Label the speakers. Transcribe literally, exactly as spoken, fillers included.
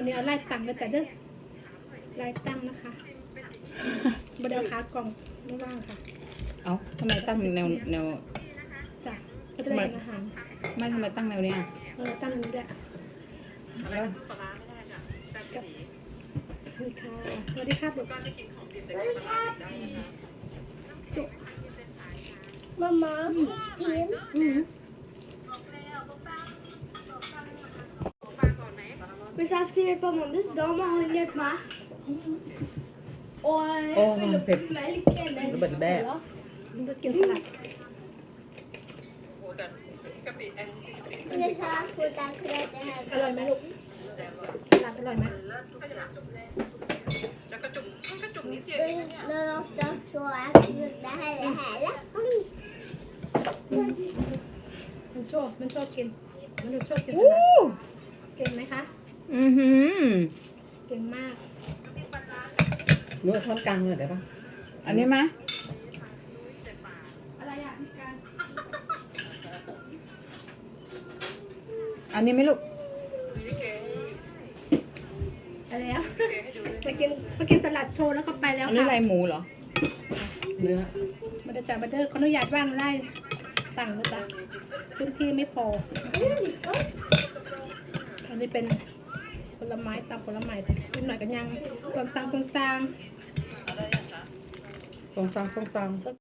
Speaker 1: วันนี้เอาไล่ตังค์แล้วจ้ะเด้อไล่ตังค์นะคะบไดเอาขากล่องไม่ว่างค่ะ
Speaker 2: เอ้าทำไมตั้งแนวแนว
Speaker 1: จ้ะก็จะได้กินอาหาร
Speaker 2: ไม่ทำไมตั้งแนวเนี้ย
Speaker 1: เออตั้งนี้แหละ
Speaker 2: แล้ว
Speaker 1: นี่ค่ะสวัสดีครับลูกจุ๊มามากินอืม
Speaker 3: Men så ska jag på måndags dag med han hjälp mig. Och
Speaker 2: โอ้มันเผ็ด
Speaker 3: mjölk
Speaker 2: ระเบิดแบ้
Speaker 3: eller
Speaker 1: มันจะกินสลัด
Speaker 3: Men det ska få den kräften
Speaker 1: อร่อยไหมลูกสลัดอร่อยไหม
Speaker 3: här. Men ofta så är det här det hela.
Speaker 1: มันชอบมันชอบกินมันชอบกินส
Speaker 2: อู้
Speaker 1: ลัดเก่งไหมคะ
Speaker 2: อือหือ
Speaker 1: เก่งมาก
Speaker 2: ดูช้อนกลางเลยได้ปะอันนี้ไหม
Speaker 1: อะไรอ่ะพี่การ
Speaker 2: อันนี้ไหมลูก
Speaker 1: อะไรอ่ะมากินมากินสลัดโชว์แล้วก็ไปแล้ว
Speaker 2: อันนี้
Speaker 1: ค่ะ
Speaker 2: อะไรหมูเหรอเนื้อ
Speaker 1: มาเดจ่าบัตเดอร์ขออนุญาตว่างไล่ตังค์นะจ๊ะพื้นที่ไม่พอ อันนี้เป็นผลไม้ตามผลไม้นิดหน่อยกันยังส่วนตังส่วนตัง
Speaker 2: ทรงซังทรงซัง